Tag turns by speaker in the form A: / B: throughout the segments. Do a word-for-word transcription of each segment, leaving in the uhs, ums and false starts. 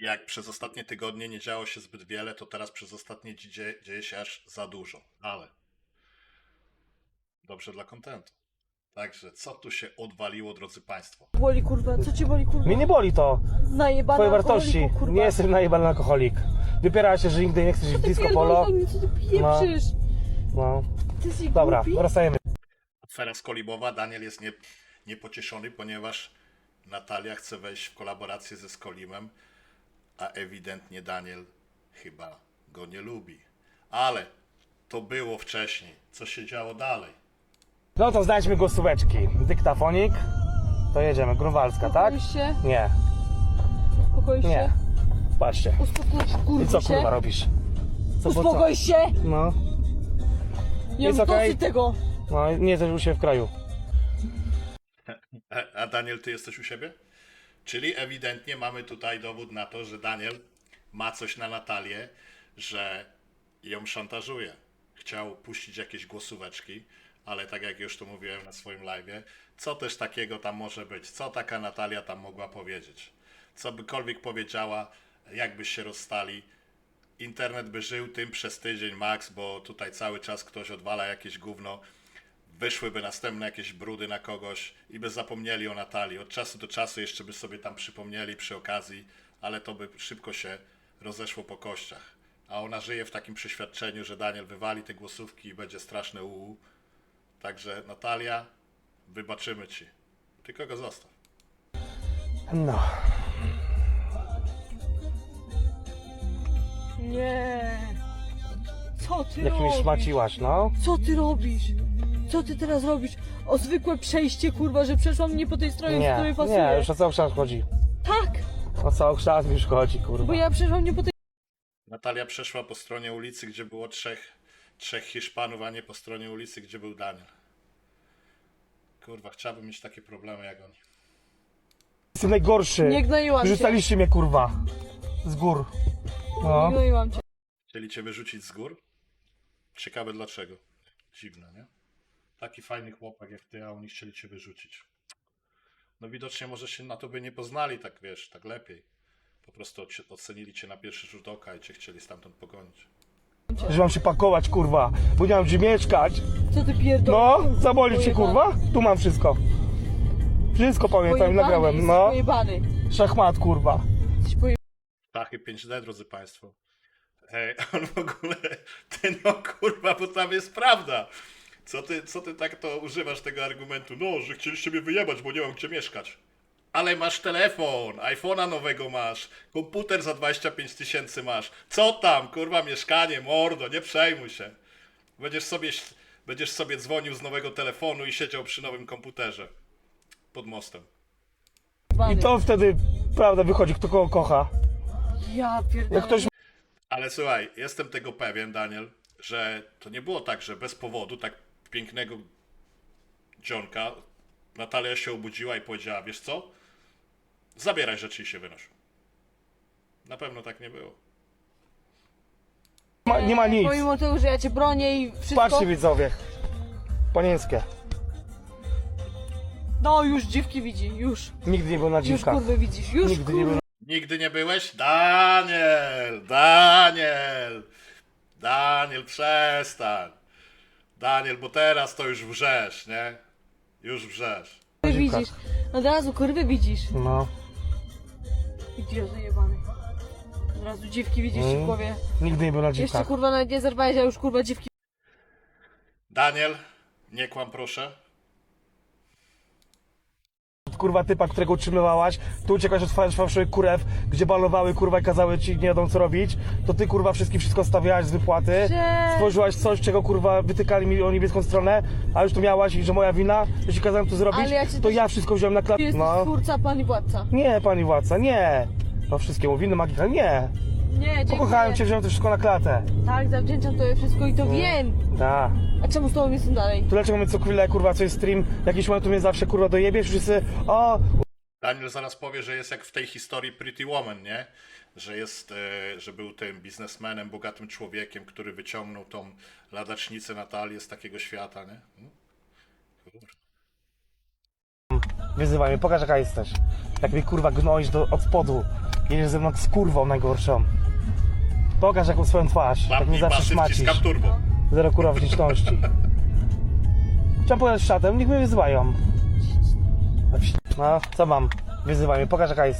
A: jak przez ostatnie tygodnie nie działo się zbyt wiele, to teraz przez ostatnie dzi- dzie- dzieje się aż za dużo. Ale dobrze dla kontentu. Także co tu się odwaliło, drodzy Państwo?
B: Boli kurwa, co cię boli kurwa?
C: Mnie nie boli to.
B: Najebana
C: Twoje wartości.
B: alkoholiku, kurwa.
C: Nie jestem najebany alkoholik. Wypiera się, że nigdy nie chcesz iść w
B: Ty
C: disco
B: pierdolisz
C: polo.
B: do mnie, co ty pieprzysz?
C: No.
B: Ty jesteś
C: Dobra,
B: głupi?
C: wracajmy.
A: Afera Skolibowa. Daniel jest nie, niepocieszony, ponieważ Natalia chce wejść w kolaborację ze Skolimem, a ewidentnie Daniel chyba go nie lubi. Ale to było wcześniej. Co się działo dalej?
C: No to znajdźmy głosóweczki. Dyktafonik. To jedziemy. Grunwaldzka, tak?
B: Uspokoisz się?
C: Nie.
B: Uspokoisz
C: Nie.
B: się?
C: Patrzcie.
B: Uspokój się,
C: I
B: kurwa
C: co
B: się?
C: kurwa robisz? Co, po co?
B: Uspokój się!
C: No.
B: Nie
C: Jest
B: mam
C: okej?
B: dosyć tego!
C: No nie jesteś u siebie w kraju.
A: A, a Daniel, ty jesteś u siebie? Czyli ewidentnie mamy tutaj dowód na to, że Daniel ma coś na Natalię, że ją szantażuje. Chciał puścić jakieś głosóweczki, ale tak jak już tu mówiłem na swoim live'ie, co też takiego tam może być? Co taka Natalia tam mogła powiedzieć? Co bykolwiek powiedziała, jakby się rozstali, internet by żył tym przez tydzień max, bo tutaj cały czas ktoś odwala jakieś gówno, wyszłyby następne jakieś brudy na kogoś i by zapomnieli o Natalii. Od czasu do czasu jeszcze by sobie tam przypomnieli przy okazji, ale to by szybko się rozeszło po kościach. A ona żyje w takim przeświadczeniu, że Daniel wywali te głosówki i będzie straszne uuu. Także Natalia, wybaczymy ci. Tylko go zostaw.
C: No.
B: Nie! Co ty
C: Jak mnie
B: robisz?
C: szmaciłaś, no.
B: Co ty robisz? Co ty teraz robisz? O zwykłe przejście kurwa, że przeszłam nie po tej stronie, co
C: Nie,
B: tobie pasuje.
C: nie, już o cały kształt chodzi.
B: Tak!
C: O cały kształt już chodzi, kurwa.
B: Bo ja przeszłam nie po tej
A: Natalia przeszła po stronie ulicy, gdzie było trzech, trzech Hiszpanów, a nie po stronie ulicy, gdzie był Daniel. Kurwa, chciałbym mieć takie problemy jak oni.
C: Jestem najgorszy.
B: Nie gnoiłam cię.
C: Wyrzucaliście mnie, kurwa. Z gór.
B: Nie
C: No.
B: gnoiłam cię.
A: Chcieli cię wyrzucić z gór? Ciekawe dlaczego. Dziwne, nie? Taki fajny chłopak jak ty, a oni chcieli cię wyrzucić. No widocznie może się na tobie nie poznali tak, wiesz, tak lepiej. Po prostu oci- ocenili cię na pierwszy rzut oka i cię chcieli stamtąd pogonić.
C: Że mam się pakować, kurwa. Bo nie mam gdzie mieszkać.
B: Co ty pierdolisz?
C: No, zaboli cię, kurwa. Tu mam wszystko. Wszystko pamiętam i nagrałem, no.
B: Pojebany.
C: Szachmat, kurwa.
B: Jesteś pojebany.
A: Tachy pięć D, drodzy Państwo. Ej, on w ogóle, ty no kurwa, bo tam jest prawda. Co ty, co ty tak to używasz tego argumentu? No, że chcieliście mnie wyjebać, bo nie mam gdzie mieszkać. Ale masz telefon, iPhone'a nowego masz, komputer za dwadzieścia pięć tysięcy masz. Co tam, kurwa, mieszkanie, mordo, nie przejmuj się. Będziesz sobie, będziesz sobie dzwonił z nowego telefonu i siedział przy nowym komputerze. Pod mostem.
C: I to wtedy, prawda, wychodzi, kto kogo kocha.
B: Ja pierdolę.
C: Jak ktoś
A: Ale słuchaj, jestem tego pewien, Daniel, że to nie było tak, że bez powodu tak pięknego dzionka Natalia się obudziła i powiedziała, wiesz co? Zabieraj rzeczy i się wynoś. Na pewno tak nie było.
C: ma, nie ma nic.
B: Pomimo tego, że ja cię bronię i wszystko.
C: Patrzcie, widzowie. Panieńskie.
B: No już dziwki widzi, już.
C: Nigdy nie był na
B: Już
C: dziwkach.
B: kurwy widzisz, już
C: Nigdy nie
B: kurwy.
C: był.
A: Nigdy nie byłeś? Daniel! Daniel! Daniel, przestań! Daniel, bo teraz to już wrzesz, nie? Już wrzesz.
B: widzisz. Od razu kurwy widzisz.
C: No.
B: Idioto jebany. Od razu dziwki widzisz
C: Mm.
B: w głowie.
C: Nigdy nie był na
B: Jeszcze
C: dziwkach.
B: kurwa nawet nie zerwałeś, a już kurwa dziwki.
A: Daniel, nie kłam proszę.
C: Kurwa typa, którego utrzymywałaś, tu uciekasz od fa- fałszywych kurew, gdzie balowały kurwa i kazały ci nie wiadomo co robić, to ty kurwa wszystkim wszystko stawiałaś z wypłaty,
B: Że-
C: stworzyłaś coś, czego kurwa wytykali mi o niebieską stronę, a już to miałaś i że moja wina, że ci kazałem to zrobić,
B: Ale ja cię
C: to
B: też-
C: ja wszystko wziąłem na
B: Ty
C: klatę.
B: jesteś
C: No.
B: twórca, pan i władca.
C: Nie, pani władca, nie. No wszystkiemu winny magika, nie.
B: Nie, dziękuję.
C: Pokochałem cię, wziąłem to wszystko na klatę.
B: Tak, zawdzięczam tobie wszystko i to wiem.
C: Da.
B: A czemu z tobą jestem dalej?
C: To dlaczego my co chwilę kurwa coś stream, jakiś moment tu mnie zawsze kurwa dojebiesz, wszyscy, o,
A: Daniel zaraz powie, że jest jak w tej historii Pretty Woman, nie? Że jest, e, że był tym biznesmenem, bogatym człowiekiem, który wyciągnął tą ladacznicę Natalię z takiego świata, nie? Hmm? Kurde.
C: wyzywaj mnie, pokaż jaka jesteś. Jak mnie kurwa gnoisz do, od spodu. Jedziesz ze mną z kurwą najgorszą. Pokaż jaką swoją twarz, tak
A: Łapnij
C: mnie zawsze
A: pasy,
C: szmacisz.
A: wciskam turbo.
C: Zero kurwa wdzięczności. Chciałem pojechać z szatem, niech mnie wyzywają. No, co mam? Wyzywaj mnie, pokaż jaka jest.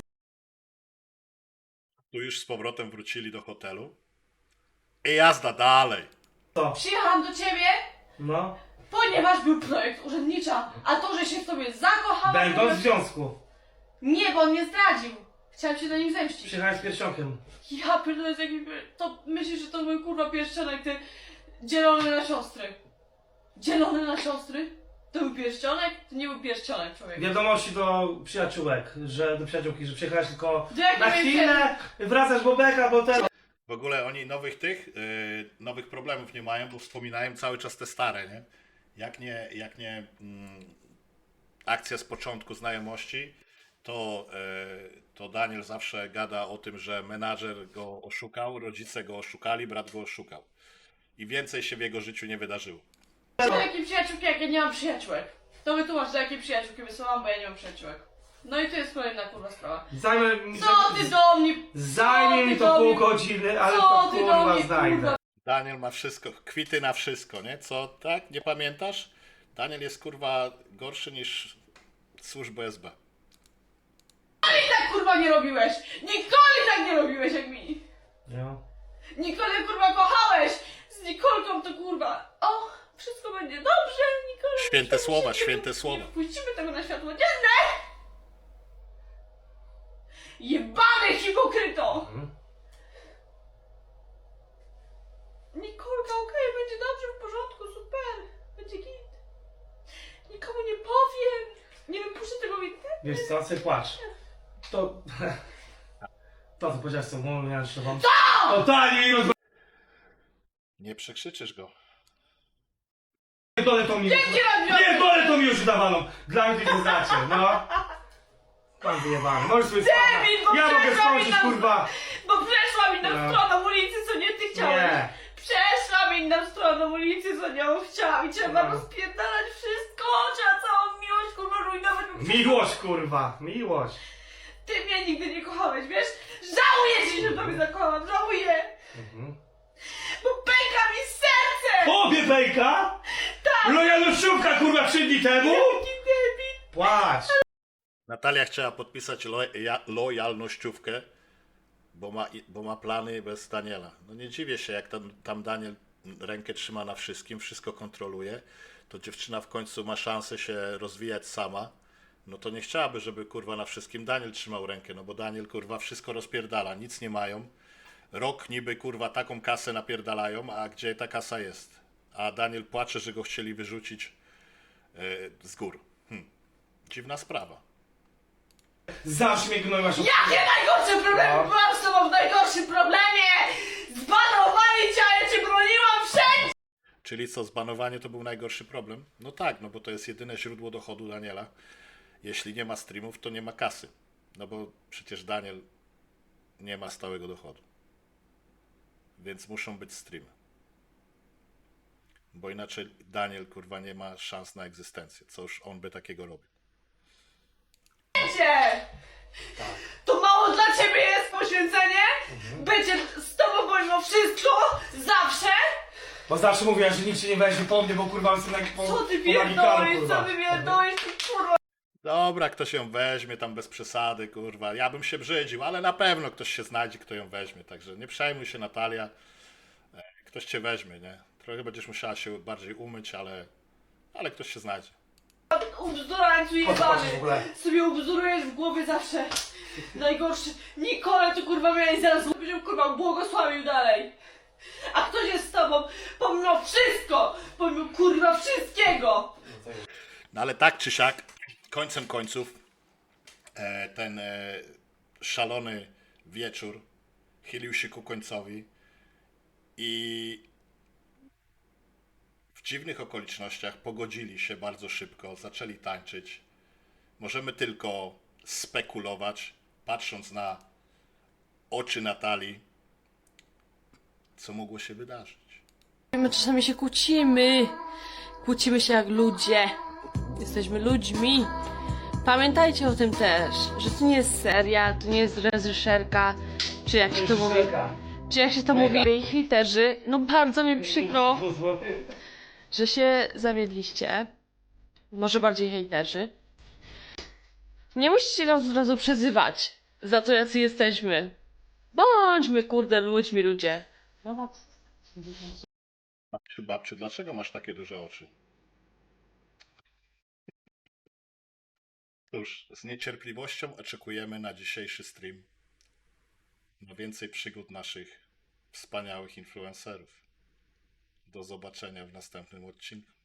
A: Tu już z powrotem wrócili do hotelu. I jazda dalej.
B: Przyjechałam do ciebie,
C: No.
B: ponieważ był projekt urzędnicza, a to, że się w tobie zakochałam...
C: Będąc w związku.
B: Nie, bo on mnie zdradził. Chciałam się na nim zemścić.
C: Przyjechałem z pierścionkiem.
B: Ja pierdolę, z jakim... To myślisz, że to był kurwa pierścionek, ty dzielony na siostry. Dzielony na siostry? To był pierścionek? To nie był pierścionek, człowiek.
C: Wiadomości do przyjaciółek, że do przyjaciółki, że przyjechałeś tylko
B: Do jakiej
C: na chwilę, wracasz Bobeka, bo ten...
A: W ogóle oni nowych tych, yy, nowych problemów nie mają, bo wspominają cały czas te stare, nie? Jak nie, jak nie mm, akcja z początku znajomości, to, yy, to Daniel zawsze gada o tym, że menadżer go oszukał, rodzice go oszukali, brat go oszukał. I więcej się w jego życiu nie wydarzyło.
B: Do jakiej przyjaciółki, jak ja nie mam przyjaciółek? To wytłumacz, do jakiej przyjaciółki wysyłam, bo ja nie mam przyjaciółek. No i to jest kolejna kurwa sprawa.
C: Zajmę mi
B: Co ty do mnie...
C: Zajmie
B: co
C: mi
B: ty
C: to
B: do
C: pół
B: mnie-
C: godziny, ale
B: co
C: to
B: ty do
C: kurwa
B: mnie,
C: znajdę.
B: kurwa?
A: Daniel ma wszystko, kwity na wszystko, nie? Co, tak? Nie pamiętasz? Daniel jest kurwa gorszy niż służba S B.
B: Nigdy tak kurwa nie robiłeś! Nikoli tak nie robiłeś jak mi!
C: No.
B: Nikolę kurwa kochałeś! Z Nikolką to kurwa... O, wszystko będzie dobrze, Nikola...
A: Święte
B: nie
A: słowa,
B: puścimy-
A: święte słowa.
B: Nie puścimy tego na światło dzienne! Jebany hipokryto!
C: Mhm.
B: Nikolka, okej, będzie dobrze, w porządku, super. Będzie git. Nikomu nie powiem. Nie wypuszczę tego w internet.
C: Wiesz co, sobie płacz. To... To co powiedziałeś z tą głową, miałem wam. Totalnie roz...
A: Nie przekrzyczysz go.
C: Pierdolę to mi już...
B: Dzięki Radiowi!
C: Pierdolę to mi już dawaną! Dla mnie to znacie, no. Mam wyjebane, możesz sobie
B: Debil, bo
C: Ja mogę
B: przeszła mi
C: skończyć,
B: na-
C: kurwa!
B: Bo przeszłam inną
C: No.
B: stroną ulicy, co nie ty chciałeś.
C: Nie.
B: Przeszłam inną stroną ulicy, co nią chciałam. I trzeba
C: No.
B: rozpierdalać wszystko. Trzeba całą miłość, kurwa, rujnować. bo
C: Miłość, kurwa, miłość.
B: Ty mnie nigdy nie kochałeś, wiesz? Żałuję ci, że tobie zakochałam. Żałuję.
C: Mhm.
B: Bo pęka mi serce.
C: Tobie bejka?
B: Tak.
C: Lojalnościówka, kurwa, trzy dni temu?
B: Jaki debil.
C: Płacz!
A: Natalia chciała podpisać lo, ja, lojalnościówkę, bo ma, bo ma plany bez Daniela. No nie dziwię się, jak tam, tam Daniel rękę trzyma na wszystkim, wszystko kontroluje, to dziewczyna w końcu ma szansę się rozwijać sama. No to nie chciałaby, żeby kurwa na wszystkim Daniel trzymał rękę, no bo Daniel kurwa wszystko rozpierdala, nic nie mają. Rok niby kurwa taką kasę napierdalają, a gdzie ta kasa jest? A Daniel płacze, że go chcieli wyrzucić yy, z gór. Hm. Dziwna sprawa.
C: Zawsze mnie gnoiłaś od...
B: Jakie najgorsze problemy?
C: No.
B: Byłam z tobą w najgorszym problemie! Zbanowali cię, a ja cię broniłam wszędzie!
A: Czyli co, zbanowanie to był najgorszy problem? No tak, no bo to jest jedyne źródło dochodu Daniela. Jeśli nie ma streamów, to nie ma kasy. No bo przecież Daniel nie ma stałego dochodu. Więc muszą być streamy. Bo inaczej Daniel kurwa nie ma szans na egzystencję. Co już on by takiego robił.
B: To mało dla ciebie jest poświęcenie? Będzie z tobą pomimo wszystko? Zawsze?
C: Bo zawsze mówiłaś, że nikt się nie weźmie po mnie, bo kurwa jestem jak po...
B: Co ty
C: po magikalu,
B: pierdolisz,
C: kurwa.
B: co ty pierdolisz, ty kurwa?
A: Dobra, ktoś ją weźmie tam bez przesady, kurwa. Ja bym się brzydził, ale na pewno ktoś się znajdzie, kto ją weźmie. Także nie przejmuj się, Natalia. E, Ktoś cię weźmie, nie? Trochę będziesz musiała się bardziej umyć, ale, ale ktoś się znajdzie.
B: Ubzdurańcu
C: Po co chodzi w
B: jebany!
C: ogóle?
B: Sobie ubzdurujesz w głowie zawsze. Najgorszy. Nikolę to kurwa miałeś zaraz powiedział, kurwa, błogosławił dalej. A ktoś jest z tobą pomimo wszystko, pomimo kurwa wszystkiego.
A: No ale tak czy siak, końcem końców, e, ten e, szalony wieczór chylił się ku końcowi i w dziwnych okolicznościach pogodzili się bardzo szybko, zaczęli tańczyć. Możemy tylko spekulować, patrząc na oczy Natalii, co mogło się wydarzyć.
B: My czasami się kłócimy. Kłócimy się jak ludzie. Jesteśmy ludźmi. Pamiętajcie o tym też, że to nie jest seria, to nie jest reżyserka, czy jak się to mówi, czy jak się to mówi, hejterzy. No bardzo mi przykro, że się zawiedliście. Może bardziej hejterzy. Nie musicie nas od razu przezywać za to, jacy jesteśmy. Bądźmy, kurde, ludźmi, ludzie.
A: Babciu, babciu, dlaczego masz takie duże oczy? Cóż, z niecierpliwością oczekujemy na dzisiejszy stream. Na więcej przygód naszych wspaniałych influencerów. Do zobaczenia w następnym odcinku.